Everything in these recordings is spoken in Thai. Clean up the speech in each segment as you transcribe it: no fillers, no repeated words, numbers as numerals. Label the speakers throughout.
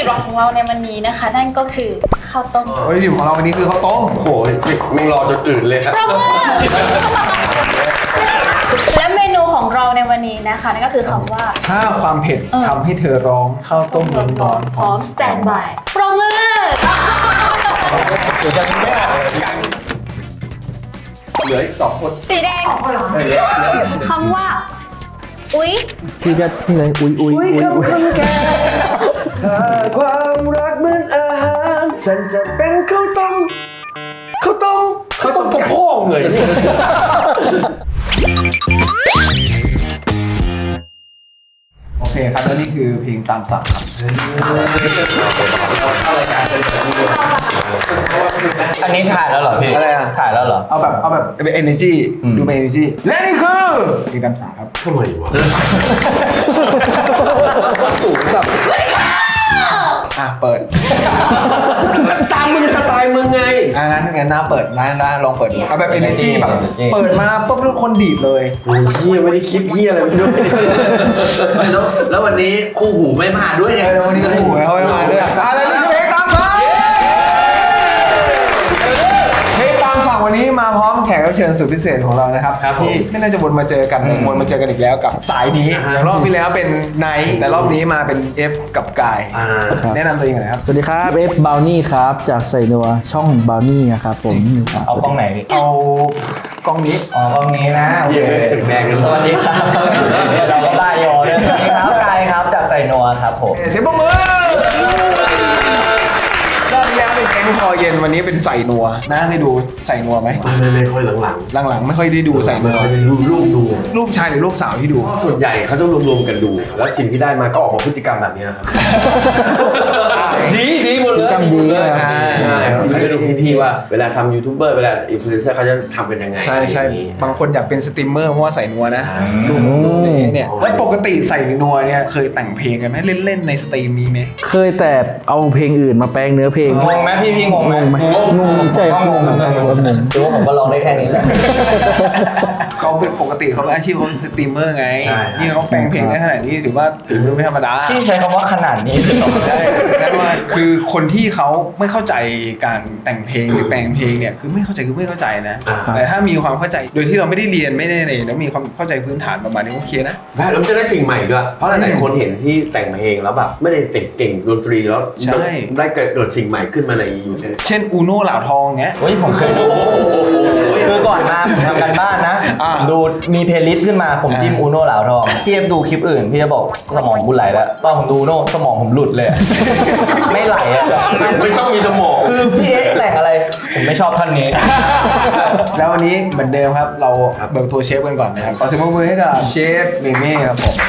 Speaker 1: ดิบหลักของเราในวันนี้นะคะนั่นก็คือข้าวต้ม
Speaker 2: วัตถุดิบของเราวันนี้คือข้าวต้ม
Speaker 3: โอ้ยมึงรอจนอื่นเลยครับ
Speaker 1: ประมือและเมนูของเราในวันนี้นะคะนั่นก็คือคำว่า
Speaker 2: ถ้าความเผ็ดทำให้เธอร้องข้าวต้มร้อนๆ
Speaker 1: พร้อมสแตนด์บายประมือ
Speaker 3: เหลืออีก2 คน
Speaker 1: สีแดงคำว่าอุ๊ย
Speaker 4: พี่ก็นี่เลยอุ้ย
Speaker 2: แก่ถ้าความรักเหมือนอาหารฉันจะเป็นข้าวต้มกระโพงเลยโอเคครับแล้วนี่คือเพลงตามสั่งครับ
Speaker 4: อันนี้ถ่ายแล้วเหรอพี่
Speaker 2: อะไรอ่ะ
Speaker 4: ถ่ายแล้วเหรอ
Speaker 2: เอาแบบเป็น energy ดูเป็น energy และนี่คือเพลงตามสั่งครับ
Speaker 3: ทำไมวะ
Speaker 2: สูงแบบเปิด
Speaker 3: ตามมึงสไตล์มึงไง
Speaker 2: งั้นน้าเปิดน้าลองเปิดดูเอาแบบ energy แบบเปิดมาปุ๊บทุกคนดีดเลย
Speaker 3: โอ้ยเฮียไม่ได้คิดเฮียอะไรไม่รู้
Speaker 5: แล้ววันนี้คู่หูไม่มาด้วยไง
Speaker 2: วันนี้คู่หูเขาไม่มาด้วยอะไรนี่เพลงตามสั่งเพลงตามสั่งวันนี้มาพร้อมแขกรับเชิญสุดพิเศษของเรานะครับที่ไม่น่าจะวนมาเจอกันวนมาเจอกันอีกแล้วกับสายนี้อย่างรอบที่แล้วเป็นไนท์แต่รอบนี้มาเป็น F กับกายแนะนำตัวเองหน่อยครับ
Speaker 4: สวัสดีครับเอฟบาวนี่ครับจากใส่นัวช่องบาวนี่นะครับผมเอากล้องไหนพี่
Speaker 2: เอากล้องนี้
Speaker 4: กล้องนี้นะ
Speaker 3: เยอะสึกแดงกัน
Speaker 4: สวัสดีครับเราก็ได้ยอด้วยสวัสดีครับกายครับจากใส่นัวครับผม
Speaker 2: เสียงปรบมือรอบที่แล้วเป็นแกงคอเย็นวันนี้เป็นใส่นัวน่าให้ดูใส่นัวไหม
Speaker 3: ไม่ค่อยห
Speaker 2: ลังๆไม่ค่อยได้ดูใส่นัวรูปชายหรือรูปสาวที่ดู
Speaker 3: ส่วนใหญ่เขาต้องรวมๆกันดูแล้วสิ่งที่ได้มาก็ออกมาพฤติกรรมแบบนี้ครับดีหมดเลย
Speaker 4: กรรมดีเลย
Speaker 3: ใช่เขาจะดูพี่ๆว่าเวลาทำยูทูบเบอร์เวลาอินฟลูเอนเซอร์เขาจะทำกันยังไง
Speaker 2: ใช่บางคนอยากเป็นสตรีมเมอร์เพราะว่าใส่นัวนะดูเนี่ยแล้วปกติใส่นัวเนี่ยเคยแต่งเพลงกันไหมเล่นๆในสตรีมมีไหม
Speaker 4: เคยแต่เอาเพลงอื่นมาแปลงเนื้อเพลง
Speaker 6: งงไหมพี่งงไหม
Speaker 4: งงใจงง
Speaker 6: ดูว่าผมก็ลองได้แค่นี้แหละ
Speaker 2: เขาเป็นปกติเขาเป็นอาชีพเขาเป็นสตรีมเมอร์ไงนี่เขาแปลงเพลงได้ขนาดนี้ถือว่าฝีมือไม่ธรรมดา
Speaker 6: ที่ใช้คำว่าขนาดนี้
Speaker 2: ได้แต่ว่าคือคนที่เขาไม่เข้าใจการแต่งเพลงหรือแปลงเพลงเนี่ยคือไม่เข้าใจนะแต่ถ้ามีความเข้าใจโดยที่เราไม่ได้เรียนไม่ได้เลยแล้วมีความเข้าใจพื้นฐานประมาณนี้โอเคนะ
Speaker 3: แล้วมันจะได้สิ่งใหม่ด้วยเพราะหลายๆคนเห็นที่แต่งเพลงแล้วแบบไม่ได้เก่งดนตรีแล้วได้เกิดสิ่งใหม่ขึ้นมาในยูทูบ
Speaker 2: เช่นอูโน่เหล่าทองเงี้ย
Speaker 6: ผมเคยดูคือก่อนมาผมทำกันบ้านนะดูมีเพลย์ลิสต์ขึ้นมาผมจิ้มอูโน่เหล่าทองพี่เอฟดูคลิปอื่นพี่จะบอกสมองบุญไหลแล้วตอนผมดูโน่สมองผมหลุดเลยไม่ไหลอ่ะ
Speaker 3: ไม่ต้องมีสมอง
Speaker 6: คือพี่เอฟแต่งอะไรผมไม่ชอบท่านนี้
Speaker 2: แล้ววันนี้เหมือนเดิมครับเราเบิกตัวเชฟกันก่อนนะครับขอเสียงปรบมือให้กับเชฟเมเม่ครับผม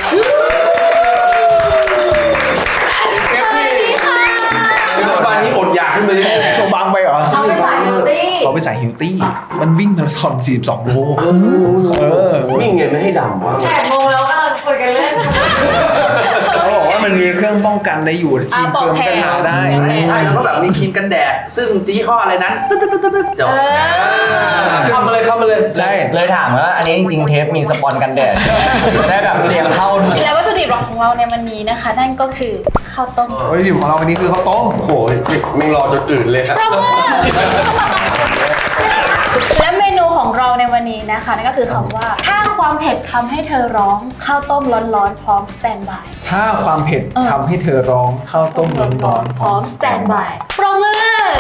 Speaker 3: วันนี้อดอยากขึ้นไปเลย
Speaker 2: โชว์บังไปเหรอ
Speaker 1: เขาไปใส่ฮิลตี้
Speaker 2: มันวิ่งมาราธอน42 โล
Speaker 3: วิ่งไงไม่ให้ดำวะ
Speaker 1: 8 โมงแล้วก็คุยกันเล่น
Speaker 2: เขาบอกว่ามันมีเครื่องป้องกันในอยู่ทีมเติมกันหาได้
Speaker 5: ใช่แล้วก็แบบมีครีมกันแดดซึ่งยี่ห้ออะไรนั้นจบ
Speaker 3: เข้ามาเลย
Speaker 2: ใช่
Speaker 6: เลยถามว่าอันนี้จริงๆเทปมีสปอนกันแดดได้แบบเรียงเข้า
Speaker 1: และวัตถุดิบของเราในวันนี้นะคะนั่นก็คือข้าวต้ม
Speaker 2: วัตถุดิบของเราวันนี้คือข้าวต้ม
Speaker 3: โอ้ยมึงรอจนอื่นเลยครับ
Speaker 1: และเมนูของเราในวันนี้นะคะนั่นก็คือคำว่าถ้าความเผ็ดทำให้เธอร้องข้าวต้มร้อนๆพร้อมสแตนด์บาย
Speaker 2: ถ้าความเผ็ดทำให้เธอร้องข้าวต้มร้อน
Speaker 1: ๆพร้อมสแตนด์บายปรบมือ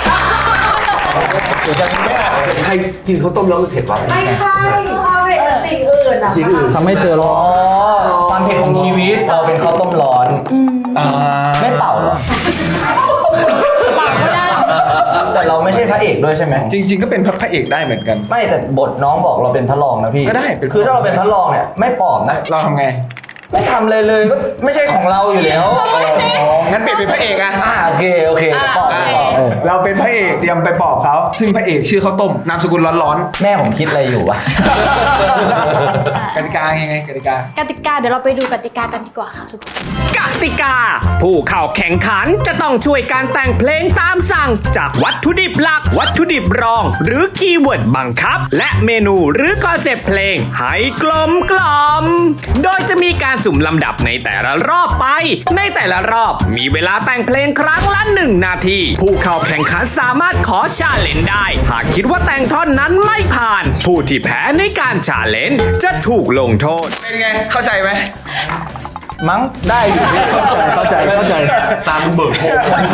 Speaker 3: ใครกินข้าวต้มแล้วมันเผ็ดวะ
Speaker 1: ไม่ใช่ความเผ็ดกับสิ่งอื่น
Speaker 4: ทำให้เธอร้อง
Speaker 6: ความเผ็ดของชีวิตเราเป็นข้าวต้มร้อนไม่เป่าหรอ
Speaker 1: เป่าก็ได้
Speaker 6: แต่เราไม่ใช่พระเอกด้วยใช่ไหม
Speaker 2: จริงๆก็เป็นพระเอกได้เหมือนกัน
Speaker 6: ไม่แต่บทน้องบอกเราเป็นพระรองนะพี่
Speaker 2: ก็ได้
Speaker 6: คือถ้าเราเป็นพระรองเนี่ยไม่ปลอบนะ
Speaker 2: เราทำไง
Speaker 6: ไม่ทำเลยก็ไม่ใช่ของเราอยู่แล้ว
Speaker 2: งั้นเปลี่ยนเป็นพระเอกอ่ะ
Speaker 6: โอเคปอบ
Speaker 2: เราเป็นพระเอกเตรียมไปปอบเขาซึ่งพระเอกชื่อข้าวต้มนามสกุลร้อน
Speaker 6: ๆแม่ผมคิดอะไรอยู่วะ
Speaker 2: กติกายังไงกติกา
Speaker 1: เดี๋ยวเราไปดูกติกากันดีกว่าค่ะทุกคน
Speaker 7: กติกาผู้เข้าแข่งขันจะต้องช่วยการแต่งเพลงตามสั่งจากวัตถุดิบหลักวัตถุดิบรองหรือคีย์เวิร์ดบังคับและเมนูหรือคอนเซปต์เพลงให้กลมโดยจะมีการการสุ่มลำดับในแต่ละรอบไป ในแต่ละรอบมีเวลาแต่งเพลงครั้งละ1 นาที ผู้เข้าแข่งขันสามารถขอชาเลนจ์ได้หากคิดว่าแต่งท่อนนั้นไม่ผ่าน ผู้ที่แพ้ในการชาเลนจ์จะถูกลงโทษ
Speaker 2: เป็นไงเข้าใจไหม
Speaker 4: มั้งได้อยู่เข้าใจ
Speaker 3: ตามเบิกโพ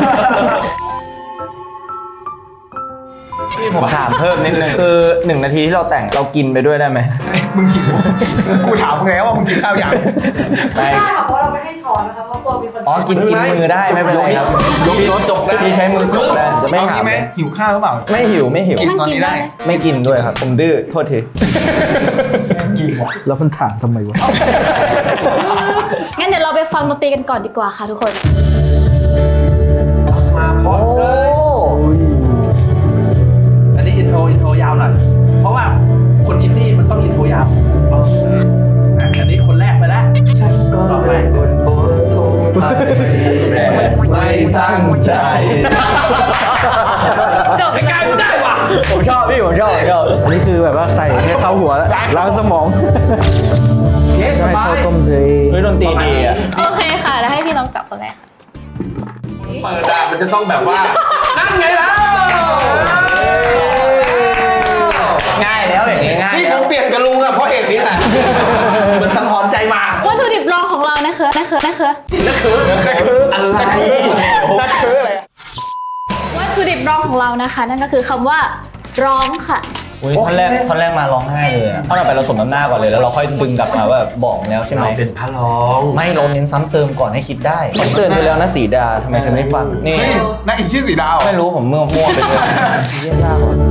Speaker 6: พี่ผมถามเพิ่มนิดนึงคือ1 นาทีที่เราแต่งเรากินไปด้วยได้ไหม
Speaker 2: มึงหิวกูถามมึงแล้วว่ามึงกินข้าวยัง
Speaker 6: ไม่
Speaker 8: ได้ค่ะเพราะเราไม่ให้ช้อนนะคะเพราะกลัวมีคน
Speaker 6: อ๋อกินมือได้ไม่เป็นไรครับพี่จกได้พี่ใช้มือจกได้จะไม่
Speaker 2: เอา
Speaker 6: หา
Speaker 2: งี้ไหมหิวข้าวหรือเปล่า
Speaker 6: ไม่หิว
Speaker 2: กินตอนนี้ได้
Speaker 6: ไม่กินด้วยครับผมดื้อโทษที
Speaker 4: แล้วมันถามทำไมวะ
Speaker 1: งั้นเดี๋ยวเราไปฟังดนตรีกันก่อนดีกว่าค่ะทุกคน
Speaker 5: มาพอเชยอันนี้อินโทรยาวหน่อยเพราะว่าคนอินดี้มันต้องอินโทรยาวอันนี้คนแรกไปแล้วต่อไปไม่ตั้งใจ
Speaker 1: จบกันได้ว่ะ
Speaker 6: ผมชอบพี่ผมชอบ
Speaker 4: อันนี้คือแบบว่าใส่ให้เข้าหัวล้างสมอง
Speaker 5: เย้ส
Speaker 4: ให้
Speaker 5: บา
Speaker 4: เข้าย ต้มเลย
Speaker 6: เฮ้ยดนตรีดีอ่ะ
Speaker 1: โอเคค่ะ แล้วให้พี่น้องจับคนแรกค่ะ
Speaker 5: เปิดอะมันจะต้องแบบว่า นั่นไงแล้ว
Speaker 6: ง่ายแล้วอย่างนี้ง่าย
Speaker 3: ที่ผมเปลี่ยนกับลุงอะเพราะเหตุนี้แหละ
Speaker 5: เหมือนสังหรณ์ใจมา
Speaker 1: วัตถุดิบรองของเรานะคะ
Speaker 5: อะไร
Speaker 1: วัตถุดิบรองของเรานะคะ นั่นก็คือคำว่าร้องค่ะ
Speaker 6: อุ้ยท่อนแรกมาร้องไห้เลยอะท่อนต่อไปเราสมน้ำหน้าก่อนเลยแล้วเราค่อยดึงกลับมาว่าบอกแล้วใช่ไหม
Speaker 3: เราเป็นพระร้อง
Speaker 6: ไม่เราเน้นซ้ำเติมก่อนให้คิดได้ผมเตือนไปแล้วนะสีดาทำไมเธอไม่ฟังนี่
Speaker 2: เฮ้ยนักอีกชื่อสีดาว
Speaker 6: ไม่รู้ผมมั่วไปเลยเยี่ยมยากว่ะ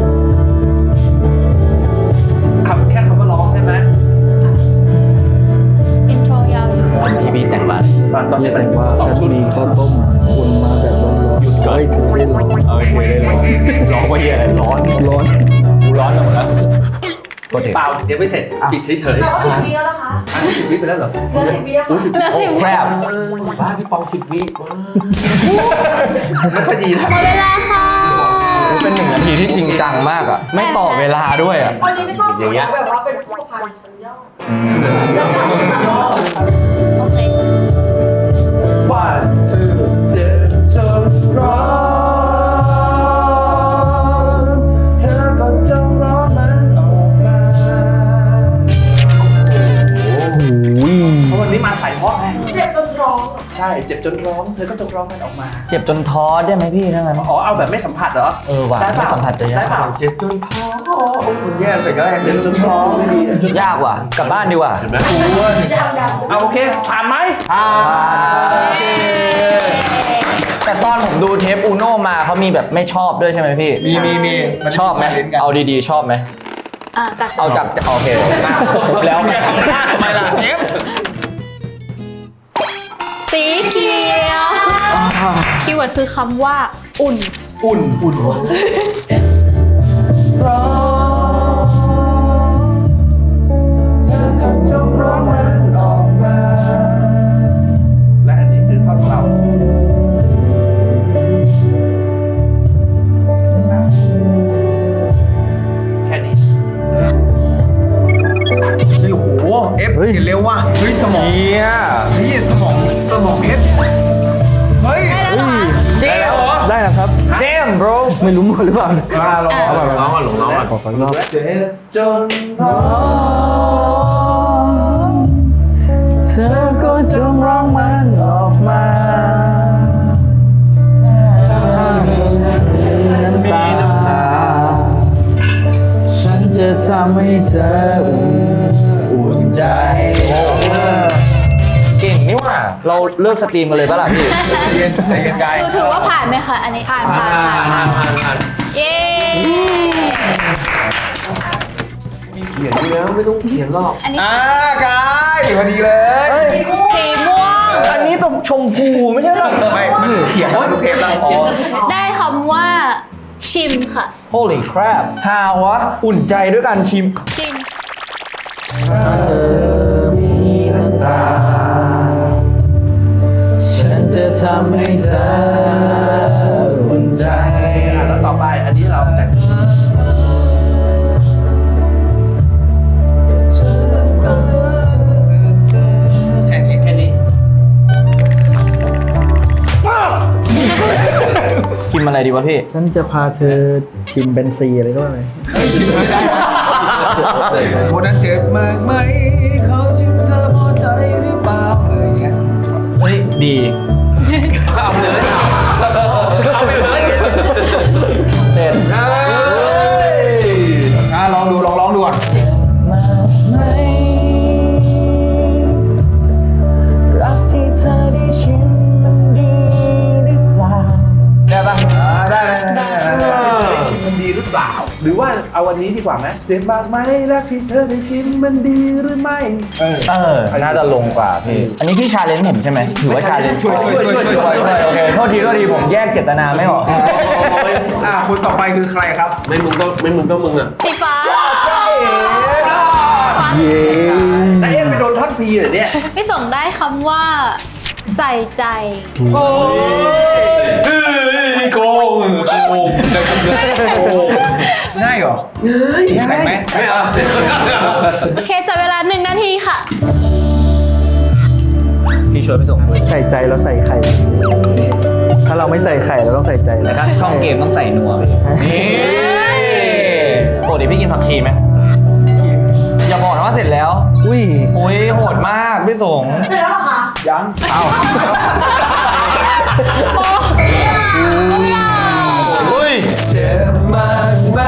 Speaker 5: แค่คำว่าร้องใช่ไหม
Speaker 1: อินโทรยาว
Speaker 6: พี่บีแต่งบ้าน
Speaker 5: ตอนนี้เป็น
Speaker 4: ว่า
Speaker 5: สอง
Speaker 4: ฉัน
Speaker 5: ชุด
Speaker 4: มีข้าวต้มคุณมาแบบร้อนๆหยุดก่อนเธอได้ร้อน
Speaker 6: โอเคได้ร้องว่าเฮียอะไรร้อน
Speaker 4: ร้อน
Speaker 6: กูร้อนหมดแล้วโคตรเด็ก
Speaker 5: เปล่าเดี๋ยวไม่เสร็จปิดเฉย
Speaker 8: แต่ว่า10 วิแล้วนะคะ
Speaker 5: ๆอันนี้10 วิไปแล้วเหรอ
Speaker 8: เหลือ10 วิแล้วค่ะ
Speaker 1: เหลือ10
Speaker 6: แครบ
Speaker 3: บ้าพี่ปอง10 วิว้า
Speaker 5: ไม่ค่อยดีนะ
Speaker 1: หมดเวลาค่ะ
Speaker 6: เป็น1 นาทีที่จริงจังมากอ่ะไม่ต่อเวลาด้วยอ่ะ
Speaker 8: วันนี้ไม่ต้องแบบว่าเป็นผู้พันชั้นยอด
Speaker 1: โอเค
Speaker 5: ว่าเจ็บจนร้อนเธอก็จงร้อนมันออกมา
Speaker 4: โอ้ย
Speaker 5: เพราะวันนี้มาใส่เพราะไง
Speaker 8: เจ็บจนร้อง
Speaker 5: ใช่เจ็บจนร้องเธอก็จงร้องมันออกมา
Speaker 6: เจ็บจนท้อได้ไหมพี่ทั้งนั้น
Speaker 5: อ๋อเอาแบบไม่สัมผัสเหรอ
Speaker 6: ว่ะ
Speaker 5: ได้เปล่า
Speaker 6: ไม่สัมผัสจะ
Speaker 5: ได้
Speaker 6: ยาก
Speaker 5: เปล่า
Speaker 3: เจ็บจนท้อ
Speaker 2: คุณแย่แต่ก็
Speaker 5: เจ็บจนร้องไม่ดี
Speaker 6: ยากว่ะกลับบ้านดีกว่า
Speaker 3: เห็นไหม
Speaker 8: ยัง
Speaker 5: เอาโอเคผ่านไหม
Speaker 6: แต่ตอนผมดูเทปอูโน่มาเขามีแบบไม่ชอบด้วยใช่ไหมพี่
Speaker 2: มีมัน
Speaker 6: ชอบไหม
Speaker 2: เล่นกัน
Speaker 6: เอาดีๆชอบไหม
Speaker 1: อ่ะจัด
Speaker 6: เอาจากโอเคแล้ว
Speaker 2: ทำไมล่ะเอฟ
Speaker 1: สีเขียวคีย์เวิร์ดคือคำว่าอุ่น
Speaker 5: อุ่นร้อนเธอก็จงร้อนมันออกมาและอันนี้คือท่อนของเราแค่นี้
Speaker 2: โอ้โหเอฟเห็นเร็วว่ะเฮ้ยสมอง
Speaker 6: เฮีย
Speaker 2: เฮ้ยสมองเอฟเฮ้ย
Speaker 1: ได้แล้วเหรอคะ
Speaker 6: เจ๊เหรอ
Speaker 4: ได้แล้วครับ
Speaker 6: เจมบร
Speaker 4: ไม่รู้หมดหรือเปล่า
Speaker 2: ลอง
Speaker 3: เอาแบบน้องอ่ะหลงน้องอ่ะ
Speaker 4: ขอฟังรอบ
Speaker 5: เจ็บจนร้อนเธอก็จงร้องมันออกมาถ้ามีน้ำตาฉันจะทำให้เธออุ่นใจ
Speaker 6: เก่งนี่หว่าเราเลิกสตรีมกันเลยปะล่ะพี่
Speaker 2: เย็นใจเย็นกาย
Speaker 1: ดูถือว่าผ่านไหมคะ อันนี้ผ่านเย้
Speaker 3: เขียนอยู่แล้วไม่ต้องเขียนหรอก
Speaker 1: อันนี้
Speaker 2: กายพอดีเลย
Speaker 1: สีม่วง
Speaker 6: อันนี้ต้องชมพูไม่ใช่หรอ
Speaker 2: ไม่มันเขียนว่าทุกเทปแล้ว
Speaker 1: ได้คำว่า ชิมค่ะ
Speaker 6: Holy crap ฮาวะอุ่นใจด้วยการชิม
Speaker 1: ชิม
Speaker 5: เธอมีน้ำตาฉันจะทำให้เธออุ่นใจแล้วต่อไปอันนี้เราแต่ง
Speaker 6: อะไรดีวะพี่
Speaker 4: ฉันจะพาเธอชิมเบนซีอะไรก็ว่าไป
Speaker 2: คนนั้นเจ็บมากไหมเขาชิมเธอพอใจหรือเปล่าอะไรอย่างเงี้ย
Speaker 6: เฮ้ย ดี
Speaker 5: เอาไปเลยเอาไปเลย
Speaker 6: เสร็จ
Speaker 2: ลองดูลองดูก่อน
Speaker 6: รักที่เธอได้ชิมมันดีหรือเปล่าได้ปะ
Speaker 2: ได้
Speaker 5: มันดีหรือเปล่า หรือว่าเอาวันนี้ดีกว่าไหมเจ็บมากไหมรักที่เธอได้ชิมมันดีหรือไม่
Speaker 6: น่าจะลงกว่าพี่ อันนี้พี่ชาเลนจ์ผมใช่ไหมถือว่าชาเลนจ์
Speaker 2: ช่วย
Speaker 6: โอเคโทษทีผมแยกเจตนาไม่ออก
Speaker 2: คนต่อไปคือใครครับ
Speaker 3: ไม่มึงก็มึงอ่ะ
Speaker 1: สีฟ้า
Speaker 5: แต่เอ็นไปโดนท่อนพีเหรอเนี่ย
Speaker 1: พี่ส่งได้คำว่า ใส่ใจ
Speaker 5: โกง
Speaker 2: ง่ายเหรอแข่งไหม
Speaker 3: ไม่เอา
Speaker 1: โอเคจับเวลา1 นาทีค่ะ
Speaker 6: พี่ช่วยไปส่งด้วย
Speaker 4: ใส่ใจแล้วใส่ไข่ ถ้าเราไม่ใส่ไข่เราต้องใส่ใจ
Speaker 6: แต่ถ้าช่องเกมต้องใส่นัวพี่นี่ปกติพี่กินผักชีไหมอย่าบอกนะว่าเสร็จแล้ว
Speaker 4: อุ้ย
Speaker 6: โอ้ยโหดมากพี่สง
Speaker 8: เสร็จแล้วเหรอคะ
Speaker 2: ยัง
Speaker 6: อุ้ย
Speaker 2: เจ็บมากไหม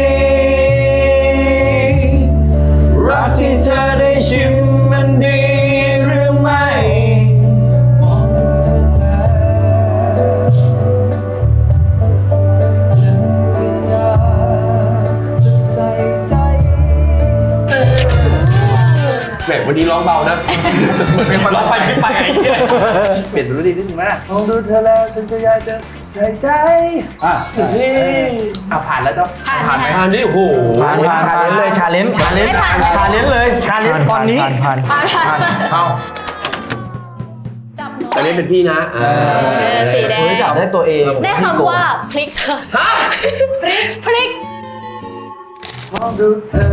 Speaker 2: รักที่เธอได้ชิมมันดีหรือไม่มองเธอแล้วฉันก็อยากจะใส่ใจ
Speaker 3: แหมวันนี้ร้องเบานะเหมือนเป็นคนร้องไปคิดไปไอ้เหี้ย
Speaker 5: เปลี่ยนดนตรีนิดนึงไหมมองดูเธอแล้วฉันก็อยากจะใส่ใจผ่านแล้วเนาะ
Speaker 3: ผ่านไหมผ่านนี่โอ้โห
Speaker 6: ชาเลนจ์เลยชาเลนจ์เลยชาเลนจ์ตอนนี้
Speaker 4: ผ่าน
Speaker 2: เอา
Speaker 1: จับหนู
Speaker 3: แต่นี่เป็นพี่นะ
Speaker 1: สีแดง
Speaker 6: โอ้ยจับได้ตัวเอง
Speaker 1: ได้คำว่าพลิกค่ะพลิก
Speaker 5: มองดูเธอ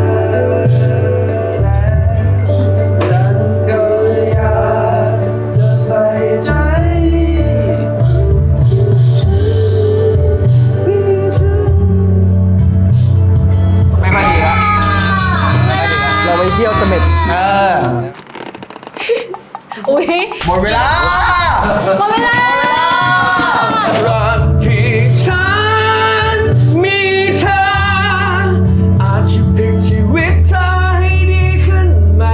Speaker 5: แล้วฉันก็อยากจะใส่ใจ
Speaker 6: ไม่ค่อยดีแล้ว
Speaker 4: เราไปเที่ยวเสม็ด
Speaker 1: อุ้ย
Speaker 2: หมดเวลา
Speaker 1: หมดเวลา
Speaker 3: รักที่ฉันมีเธออาจจะพลิกชีวิตเธอให้ดีขึ้นใหม่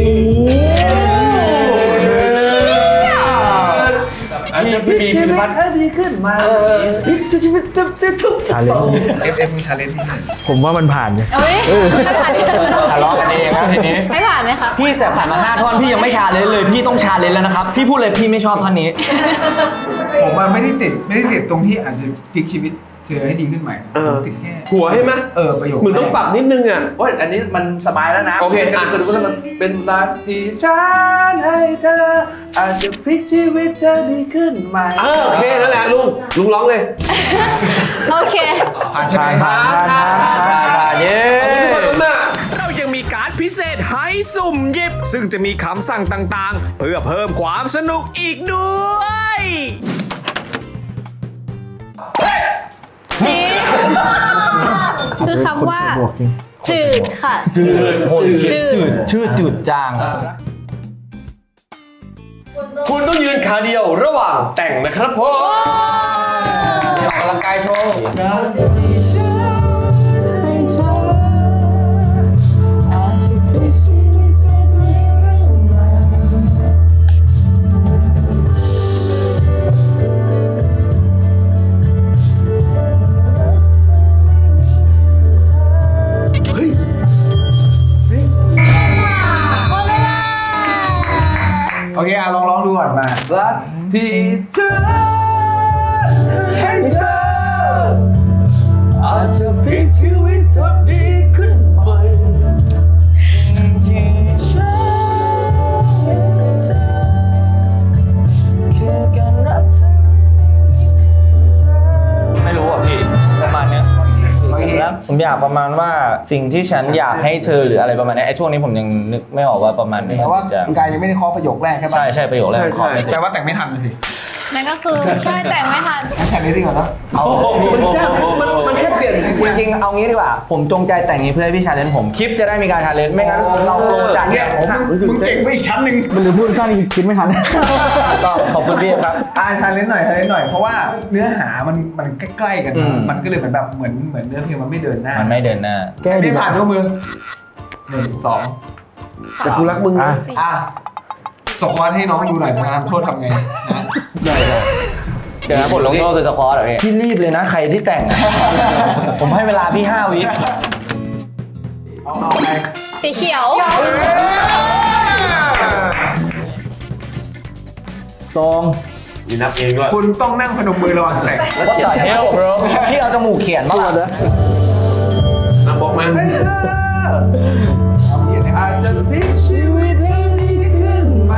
Speaker 3: อาจจะพลิกชีวิตให้ดีขึ้นมาพลิกชีวิตทุก
Speaker 4: ชาเลนจ์
Speaker 2: FF มีชาเลนจ์ที่ไหน
Speaker 4: ผมว่ามันผ่านเนี่ย
Speaker 1: เอ้ยไม่ผ่าน
Speaker 6: ทะเลาะกันเองนะทีนี้
Speaker 1: ไม่ผ่านไหมคะ
Speaker 6: พี่แต่ผ่านมา5ท่อนพี่ยังไม่ชาเลนจ์เลยพี่ต้องชาเลนจ์แล้วนะครับพี่พูดเลยพี่ไม่ชอบท่อนนี้
Speaker 2: ผมว่าไม่ได้ติดตรงที่อาจจะพลิกชีวิตเธอให้ดีขึ้นใหม่ผมติดแค่
Speaker 3: หัวให้ไหม
Speaker 2: ประโยค
Speaker 3: มึงต้องปรับนิดนึงอ่ะ
Speaker 5: โอ้ยอันนี้มันสบายแล้วนะ
Speaker 3: โอเค
Speaker 5: คือว่ามันเป็นรักที่ฉันให้เธออาจจะพลิกชีวิตเธอดีขึ้นไหม
Speaker 3: โอเคนั่นแหละลุงร้องเลย
Speaker 1: โอเค
Speaker 2: ผ่านใช่ไหม
Speaker 6: ผ่านเย้
Speaker 7: เรายังมีการ์ดพิเศษให้สุ่มหยิบ ซึ่งจะมีคำสั่งต่างๆ เพื่อเพิ่มความสนุกอีกด้วย
Speaker 1: สีคือคำว่า
Speaker 4: บวกจริง
Speaker 1: จืดค่ะ จืด
Speaker 6: ชื่อจืดจาง
Speaker 3: คุณต้องยืนขาเดียวระหว่างแต่งนะครับผม
Speaker 2: ออกกำลังกายโชว์
Speaker 1: หมดเวลา
Speaker 2: โอเคลองร้องดูก่อนมา
Speaker 5: รักที่เธอให้เธออาจจะพลิกชีวิตเธอดีขึ้นใหม่ที่ฉันให้เธอแค่การรักเธอ
Speaker 6: ไม่รู้อ่ะพี่ประมาณเนี้ยผมอยากประมาณว่าสิ่งที่ฉันอยากให้เธอหรืออะไรประมาณนี้ไอ้ช่วงนี้ผมยังนึกไม่ออกว่าประมาณไหน
Speaker 2: แต่ว่า
Speaker 6: จะ
Speaker 2: กายยังไม่ได้เคาะประโยคแรกใช่ปะ
Speaker 6: ใช่ประโยคแรกของไม่เสร็จ
Speaker 2: แต่ว่าแต่งไม่ทันเลยสิ
Speaker 1: นั่นก็คือใช่แต่งไม่ทัน
Speaker 2: แข่งนี้ดีกว่าเนอะ
Speaker 6: มันแค่เปลี่ยนจริงๆเอางี้ดีกว่า ผมจงใจแต่งนี้เพื่อให้พี่ชาเลนจ์ผมคลิปจะได้มีการชาเลนจ์ไม่งั้นเราลงจาก
Speaker 2: เนี่ยมึงเก่งไปอีกชั้นหนึ่ง
Speaker 4: มันหรือพูดสั้นคิดไม่ทัน
Speaker 6: ก็ขอบคุณพี่ครับ
Speaker 2: ทานเล่นหน่อยเพราะว่าเนื้อหามันใกล้ๆกัน
Speaker 6: อืม
Speaker 2: มันก็เลยเหมือนแบบเหมือนเนื้อเพลงมันไม่เดินหน้า
Speaker 6: มันไม่เดินหน้า
Speaker 4: แก้ดี
Speaker 2: ไม่
Speaker 4: กว่า
Speaker 2: ผ่านยกมือ1 2
Speaker 5: แต่กูรักมึงนะ
Speaker 2: อ่ะสควอตให้น้องดูหน่อยนะครับโทษทำไงนะ
Speaker 6: เดี๋ยวนะบทลงโทษคือสควอตเหรอพี่รีบเลยนะใครที่แต่งอะ ผมให้เวลาพี่5 วิ
Speaker 2: เอาไง
Speaker 1: สีเขียว
Speaker 4: ซอง
Speaker 5: มีนับเองด้วย
Speaker 2: คุณต้องนั่งพนมมือระหว่างแต่ง
Speaker 6: What the hell bro พี่เอาจมูกเขียนมาเหรอ
Speaker 5: นับบอกมา
Speaker 6: อาจจะพลิกชีวิตให้ดีขึ้นไหม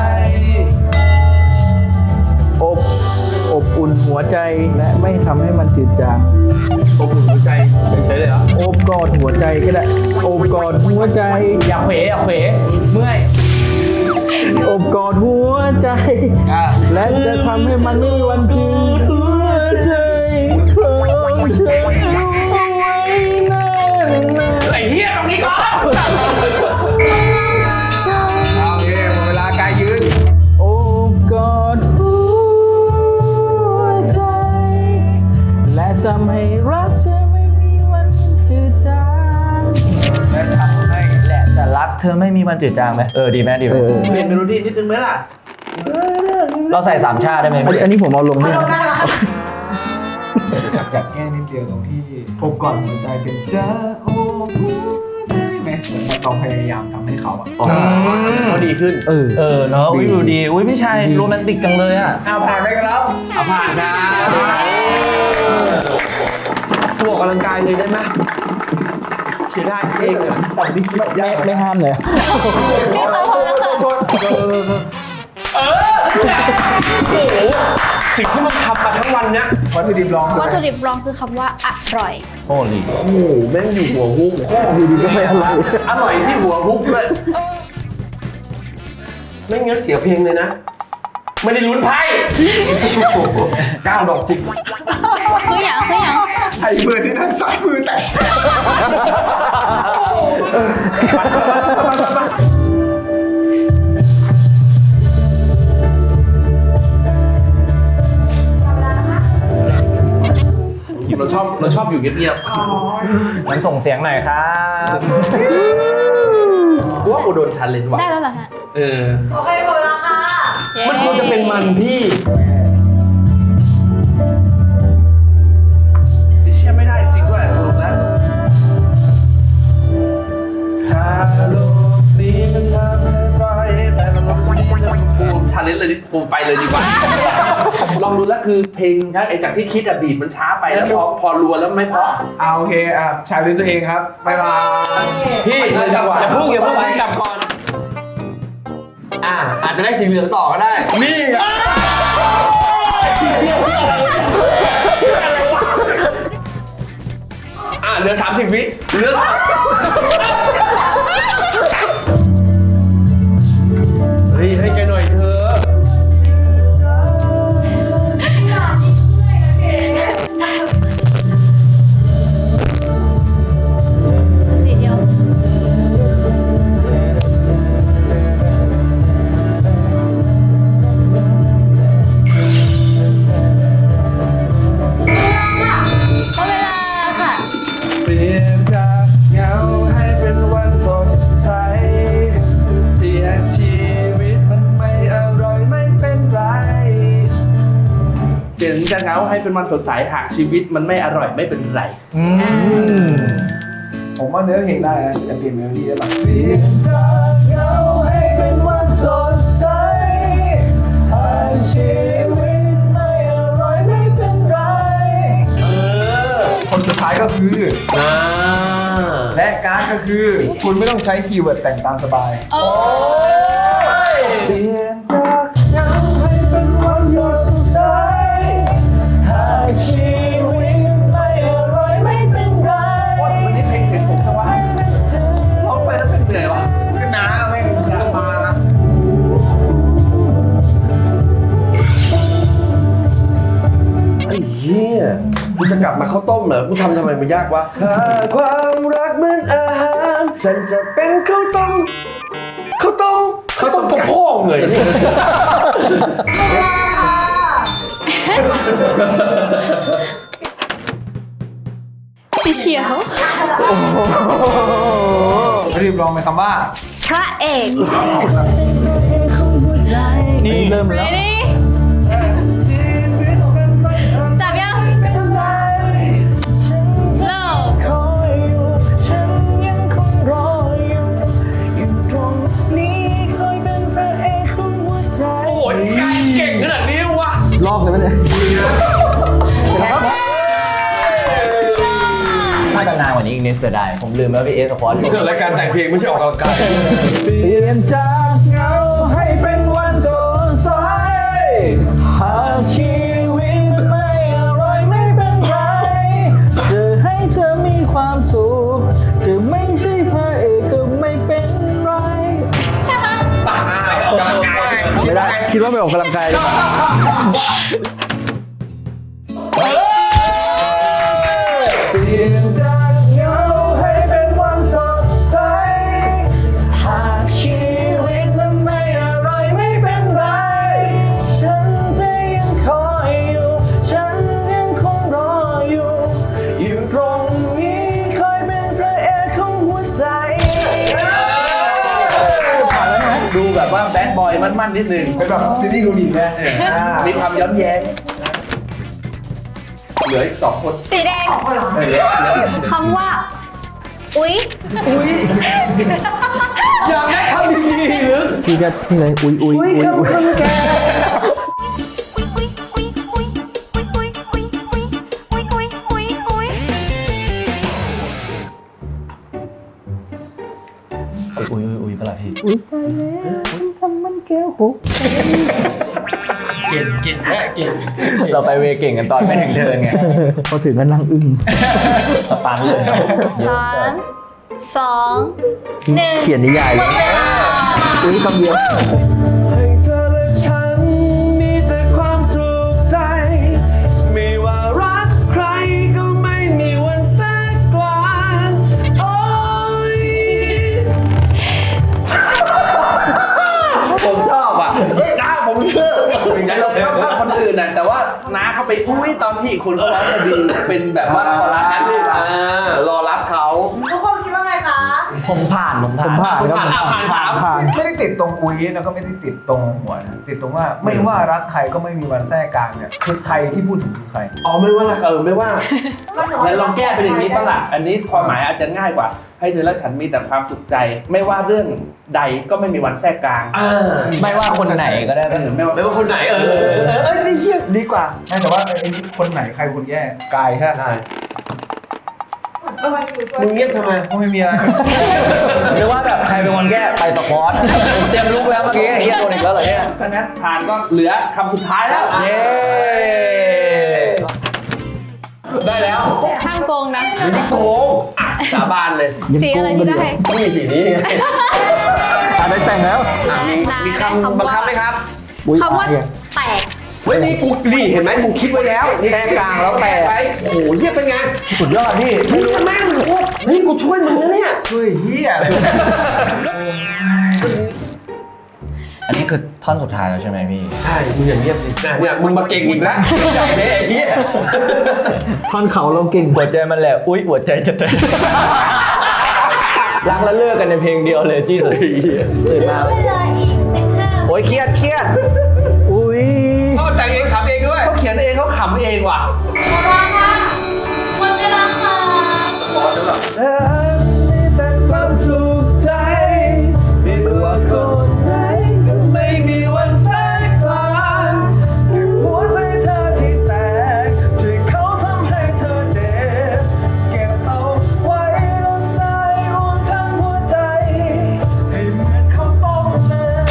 Speaker 4: อบอุ่นหัวใจและไม่ทำให้มันจืดจาง
Speaker 5: อบอุ่นหัวใจเฉยๆเลยเหรอ
Speaker 4: โอบกอดหัวใจก็ได้โอบกอดหัวใจ
Speaker 6: อย่าเขวเมื่อย
Speaker 4: โอบกอดหัวใจ และจะทำให้มันไม่มีวันจืดหัวใจของฉันเอาไว้นานๆ
Speaker 5: ไอ้เหี้ยตรงนี้ก่อน
Speaker 2: เอาโอเคหมดเวลากายยืน
Speaker 4: โอบกอดหัวใจ และทำให้รักเธอไม่มีวันจืดจาง
Speaker 2: และทำให้
Speaker 6: แหละแต่รักเธอไม่มีวันจืดจางไหมดีไหมดีไหม
Speaker 5: เปลี่ยนเมโลดี้นิดนึงไหมล่ะ
Speaker 6: เราใส่3 ชาได้ไหม
Speaker 4: อันนี้ผมเอาลง
Speaker 8: มา
Speaker 4: ด้วย
Speaker 8: ลงได้แล้วค่ะ
Speaker 2: จับแก้นิดเดียวตรงที่อบก่อนหัวใจเป็นจ้าโอ้หัวใจไหมเหมือนแบบเราพยายามทำให้เขาอะ
Speaker 5: เขาดีขึ้น
Speaker 6: เนาะดูดีอุ้ยพี่ชายโรแมนติกจังเลยอ่ะ
Speaker 2: เอาผ่านไปครับ
Speaker 5: เอาผ่านนะตัวออกกำลังกายเลยได้ไหมเชียร์ได้เองอ่ะ
Speaker 4: ไม่ห้ามเลย
Speaker 1: พี่เขาพอแล้วค่ะ
Speaker 5: สิ่งที่มึงทำมาทั้งวันเนี้ย
Speaker 2: วัตถุดิบรอง
Speaker 1: วัตถุดิบรองคือคำว่าอร่อย
Speaker 6: โอ้ลี
Speaker 5: โอ้โหแม่งอยู่หัวฮุกอยู่ดีก็ไม่อร่อยอร่อยที่หัวฮุกด้วยไม่งั้นเสียเพลงเลยนะ ไม่ได้ลุ้นไพ่9 ดอกจิก
Speaker 1: คืออย่าง
Speaker 2: ไอ้เบอร์ที่นั่งซ้ายมือแตก
Speaker 5: เราชอบอยู่เงียบ
Speaker 6: งั้นส่งเสียงหน่อยครับ
Speaker 5: ๆกูว่ากูโดนชันเลนว่ะ
Speaker 1: ได้แล้วเหรอฮะ
Speaker 5: เออ
Speaker 8: โอเคหมดแล้วค่ะ
Speaker 1: เย้
Speaker 5: มันควรจะเป็นมันพี่ไอ้เชี่ยไม่ได้จริงด้วยลงแล้วถ้าโลกนี้มันทำให้ไปแต่ละโลกนี้มันปูชาเลนจ์เลยดิปูไปเลยดีกว่า ลองดูแล้วคือเพลงไอ้จากที่คิดอะบีทมันช้าไปแล้วพอรัวแล้วไม่เพราะ
Speaker 2: เอาโอเคชาเลนจ์ตัวเองครับบ๊ายบาย
Speaker 5: พี่เลยดีกว่าอย่าเพิ่งกลับก่อนอาจจะได้สีเหลืองต่อก็ได้
Speaker 2: นี่ไง
Speaker 5: เหลือ30 วิเหลือเฮ้ยให้แกหน่อยเถอะ
Speaker 1: สีเดียวหมดเวลาค่ะ
Speaker 5: เปลี่ยนจากเหงาให้เป็นวันสดใสเปลี่ยนชีวิตมันไม่อร่อยไม่เป็นไรเปลี่ยนจากเหงาให้เป็นวันสดใสหากชีวิตมันไม่อร่อยไม่เป็นไร
Speaker 2: ผมว่าเนื้อเพลงได้นะจะเปลี่ยนเมโลดี้ได้ปะ
Speaker 5: เปลี่ยนจากเหงาให้เป็นวันสดใสหากชีวิตไม่อร่อยไม่เป็นไร
Speaker 2: คนสุดท้ายก็คือ และการ์ดก็คือ คุณไม่ต้องใช้คีย์เวิร์ดแต่งตามสบาย
Speaker 1: โอ้
Speaker 5: เปลี่ยนจากเหงาให้เป็นวันสดใสหากชีวิตไม่อร่อยไม่เป็นไรวันนี้เพลงเสียงผมจังวะร้องไปแล้วเป็นเหนื่อยวะ
Speaker 2: ก็น้าไม่อยากมา
Speaker 5: เหี้ยกูจะกลับมาข้าวต้มเหรอกูทำไมมันยากวะถ้าความรักเหมือนอาหารฉันจะเป็นข้าวต้มกับพ่อเลย
Speaker 1: สีเขียว
Speaker 2: รีบลองไปคำว่า
Speaker 1: พระเอก
Speaker 4: นี่เริ่มแล้ว
Speaker 1: ready จับยัง slow
Speaker 3: โอ้ยกายเก่งขนาดนี้วะ
Speaker 4: ลอกเลยไหมเนี่ย
Speaker 6: ถ้าจะนานกว่านี้อีกนิดเสียดายผมลืมแล้วพี่เอสสควอต
Speaker 3: เกิดรายการแต่งเพลงไม่ใช่ออกกำลังกาย
Speaker 4: เปลี่ยนจากเงาให้เป็นวันสดใสหากชีวิตไม่อร่อยไม่เป็นไรจะให้เธอมีความสุขจะไม่ใช่พระเอกก็ไม่เป็นไรไม่ได้คิดว่าไม่ออกกำลังกายเลย เปลี่ยนจากเงาให้เป็นวันสดใสหากชีวิตมันไม่อร่อยไม่เป็นไรฉันจะยังคอยอยู่ฉันยังคงรออยู่อยู่ตรงนี้คอยเป็นพระเอกของหัวใจผ่านแล้วนะ
Speaker 5: ดูแบบว่าแบดบอยมั่นๆนิดนึง
Speaker 2: เป็นแบบซีรีส์เกาหลีนะ
Speaker 5: มีความย้อนแย้งเหลืออีก2 คน
Speaker 1: สีแดงคำว่า อุ๊ย
Speaker 5: อยากได้คำดีๆหรือ
Speaker 4: พี่ก็นี่เลยอุ้ยอุ้ยอุ้ยอุ้ย
Speaker 5: แก
Speaker 6: อุ้ยอุ้ยปะล่ะพี่
Speaker 4: อุ้ยตายแล้วทำมันแก้วหก
Speaker 3: เก่งแค่เก่ง
Speaker 6: เราไปเวเก่งกันตอนไม่ถึงเทิร์นไง
Speaker 4: พอถึงก็นั่งอึ้ง
Speaker 6: สปันเลย
Speaker 1: 3 2 1
Speaker 4: เขียนนิยาย
Speaker 1: หมดเวลา
Speaker 4: อุ้ยคำเดียว
Speaker 5: ให้เธอและฉันมีแต่ความสุขใจ ไม่ว่ารักใครก็ไม่มีวันแทรกกลางโอ้ยผมชอบอ่ะน้าผมเชื่ออย่างนั้นเราชอบภาพคนอื่นน่ะแต่ว่าน้าเขาไปอุ้ยตอนที่อีกคนเขาร้องพอดีเป็นแบบว่าคอรัสนั่นเลยรอรับเขา
Speaker 8: ทุกคนคิดว่าไงคะ
Speaker 6: ผมผ่าน
Speaker 4: ผ่านครับ
Speaker 3: ผ่าน
Speaker 4: ผ่าน
Speaker 2: ไม่ได้ติดตรงอุ้ยแล้วก็ไม่ได้ติดตรงหัวนะติดตรงว่าไม่ว่ารักใครก็ไม่มีวันแทรกกลางเนี่ยคือใครที่พูดถึงคือใคร
Speaker 5: อ๋อไม่ว่าไม่ว่าแล้วลองแก้เป็นอย่างนี้ป่ะล่ะอันนี้ความหมายอาจจะง่ายกว่า ให้เธอและฉันมีแต่ความสุขใจ ไม่ว่าเรื่องใดก็ไม่มีวันแทรกกลาง
Speaker 6: ไม่ว่าคนไหนก็ได้
Speaker 5: ไม่ว่าคนไหน
Speaker 2: นี่เฮียดีกว่าแต่ว่าไอ้นี่คนไหนใครคนแย่กายใช่ไหม
Speaker 5: มึงเงียบทำไม
Speaker 2: ก็ไม่มีอะไร
Speaker 6: หรือว่าแบบใครเป็นคนแก้ไปสควอตเตรียมลุกแล้วเมื่อกี้เฮียโดนอีกแล้วเหรอเนี่ย
Speaker 5: ถ้างั้นผ่านก็เหลือคำสุดท้ายแล้ว
Speaker 6: เย้
Speaker 5: ได้แล้ว
Speaker 1: ห้ามโกงนะ
Speaker 5: โกงสาบานเลย
Speaker 1: สีอะไรที่ได้
Speaker 5: นี่สีนี้
Speaker 4: ได้แต่งแล้ว
Speaker 5: มีคำบังคับไหมครับ
Speaker 1: คำว่าแตก
Speaker 5: เฮ้ยนี่กูนี่เห็นไหมกูคิดไว้แล้วแทรกกลางแล้วแตกไปโอ้โหเยี่ยเป็นไง
Speaker 6: สุดยอดพี่
Speaker 5: มึงแม่งโคตรนี่กูช่วยมึงนะเนี่ย
Speaker 2: ช่วยเฮียอะไร
Speaker 6: อันนี้คือท่อนสุดท้ายแล้วใช่ไหมพี่
Speaker 5: ใช่มึงอย่างเงียบสิเนี่ยมึงมาเก่งอีกแล้วใหญ่เลยไอ้เหี้ย
Speaker 4: ท่อนเขาเราเก่ง
Speaker 6: หัวใจมันแหละอุ้ยหัวใจจะแตกรักแล้วเลิกกันในเพลงเดียวเลยจี้สุดตื่นมา
Speaker 1: เวลาอีก 15
Speaker 6: โอ้ยเครียด
Speaker 4: อุ้ย
Speaker 5: เขาแต่งเองขำเองด้วยเขาเขียนเองเขาขำเองว่ะ
Speaker 1: หมดเวลาค่ะหมดเวลาค่ะ
Speaker 5: มีแต่ความสุขใจไม่ว่าคนไหนก็ไม่มีวันแทรกกลางหัวใจเธอที่แตกที่เขาทำให้เธอเจ็บเก็บเอาไว้รักษาอุ่นทั้งหัวใจให้เหมือนเขาต้องเลย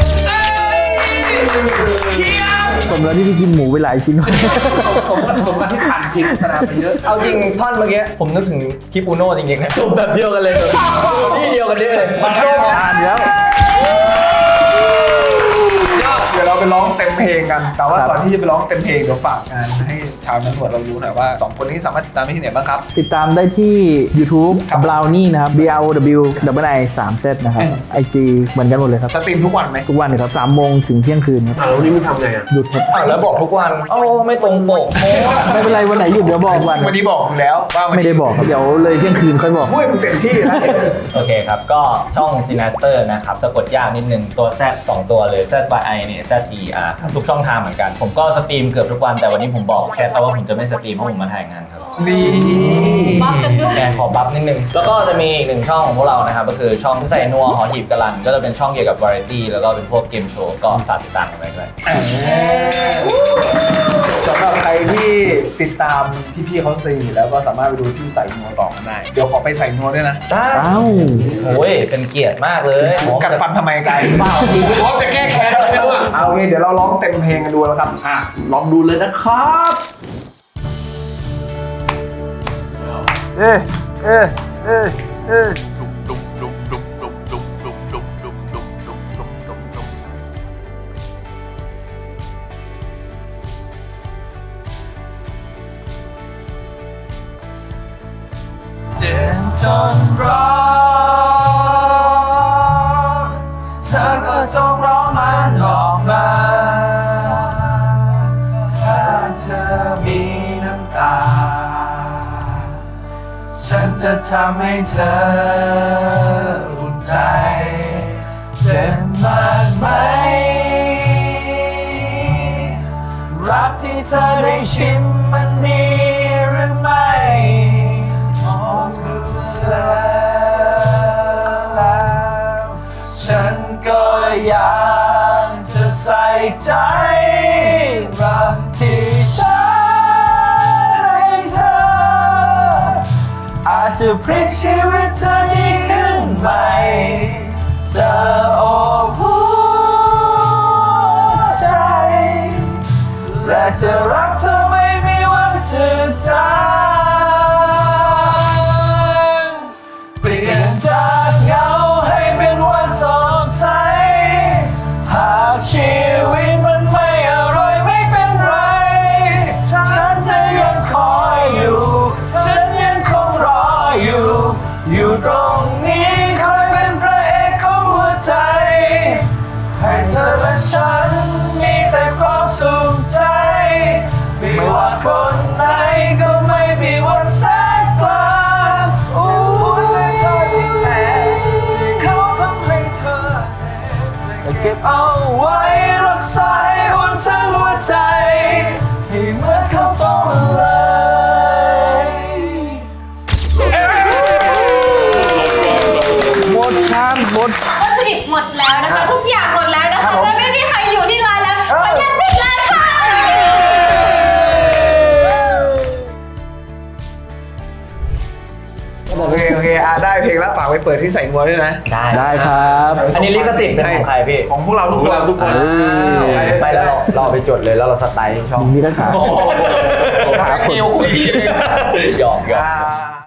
Speaker 4: สมแล้วที่พี่กินหมูไปหลายชิ้น
Speaker 5: ผมมาที่ผ่านพิงสนามไปเยอะ
Speaker 6: เอาจริงท่อนเมื่อกี้ผมนึกถึงคลิปอูโน่จริงๆนะจบแบบเดียวกันเลยที่เดียวกันเลย
Speaker 4: ผ่านแล้ว
Speaker 2: เดี๋ยวเราไปไปร้องเต็มเพลงกัน แต่ว่าก่อนที่จะไปร้องเต็มเพลงเดี๋ยวฝากงานให้ชาวนักหนวดเรารู้หน่อยว่า2คนนี้สามารถติดตามได้ที่ไหนบ้างครับ
Speaker 4: ติดตามได้ที่ YouTube Brownie นะครับ BROW 3 Z นะครับ IG เหมือนกันหมดเลยครับ
Speaker 2: สตรีมทุกวันไหม
Speaker 4: ทุกวันเลยครับ3 โมงถึงเที่ยงคืนครับ
Speaker 3: แล้วนี่มึงทำไงอ่ะ
Speaker 4: หยุดครับ
Speaker 6: แล้วบอกทุกวันโอ้ไม่ตรงปก
Speaker 4: ไม่เป็นไรวันไหนหยุดเดี๋ยวบอกวัน
Speaker 2: วันนี้บอกอยู่แล้วว่าวัน
Speaker 4: ไม่
Speaker 2: นี้
Speaker 4: ได้บอกครับเดี๋ยวเลยเที่ยงคืนค่อยบอก
Speaker 2: พูดมึงเต็มที่แล้ว
Speaker 6: โอเคครับ ก็ช่อง Sinaster นะครับสะกดยากนิดนึงตัว Z 2 ตัวเลย ZYI เนี่ย ZER ครับทุกช่องทางเหมือนกัน ผมก็สตรีมเกือบทุกวันแต่วันนี้ผมบอกแค่ว่าผมจะไม่สตรีมเพราะผมมาถ่ายงานครับ
Speaker 2: นี่
Speaker 1: บัฟกันด้วย
Speaker 6: แกขอบัฟนิดนึง แล้วก็จะมีอีกหนึ่งช่องของพวกเรานะครับ ก็คือช่องใส่นัวหอหีบกะลัน ก็จะเป็นช่องเกี่ยวกับวาไรตี้แล้วก็เป็นพวกเกมโชว์ก็ฝากติดตามกันไว้ด้วย
Speaker 2: สำหรับใครที่ติดตามพี่ๆเขาสตรีมอยู่แล้วก็สามารถไปดูที่ใส่นัวต่อกันได้เดี๋ยวขอไปใส่นัวด้วยนะ
Speaker 4: อ้าว
Speaker 6: โอ้ยเป็นเกียรติมากเลย
Speaker 2: กัดฟันทำไมไกลเปล่าพร้อมจะแก้แค้นแล้วอ่ะเอาโอเคเดี๋ยวเราร้องเต็มเพลงกันดูแล้วครับลองดูเลยนะครับ เอ๊ะเอ๊ะเอ๊ะเอ๊ะเจ็บจนร้องเธอก็จงร้องมันออกมาถ้าเธอมีน้ำตาฉันจะทำให้เธออุ่นใจเจ็บมากไหมรักที่เธอได้ชิมมันดีหรือไม่มองดูเธอแล้วฉันก็อยากจะใส่ใจรักที่ฉันให้เธออาจจะพลิกชีวิตเธอดีขึ้นใหม่จะโอบหัวใจและจะรักเธอไม่มีวันจะจางเปลี่ยนจากเหงาให้เป็นวันสดใสหากชีวิตมันไม่อร่อยไม่เป็นไรฉันจะยังคอยอยู่ฉันยังคงรออยู่อยู่ตรงนี้คอยเป็นพระเอกของหัวใจให้เธอและฉันมีแต่ความสุขใจไม่ว่าคนไหนก็ไม่มีวันแสนกลางหัวใจเธอที่แตกที่เขาทำให้เธอเจ็บและเก็บเอาไว้รักษาให้อุ่นทั้งหัวใจให้เหมือนเขาต้องเลย
Speaker 4: หมดชามหมด
Speaker 1: วัตถุดิบหมดแล้วนะคะ ทุกอย่างหมดแล้วนะคะและไม่มีใครอยู่ที่ร้านแล้วขออนุญาตปิดร้านค่ะ
Speaker 2: โอเคได้เพลงแล้วฝากไปเปิดที่ใส่นัวด้วยนะ
Speaker 4: ได้ครับ
Speaker 6: อันนี้ลิขสิทธิ์เป็นของใครพี่
Speaker 2: ของพวกเราทุกคน
Speaker 6: ไปแล้วเราเอาไปจดเลยแล้วเราสไตล์ช่อง
Speaker 4: มีปัญหา
Speaker 2: หาคนคุย
Speaker 6: หยอก
Speaker 2: อ่า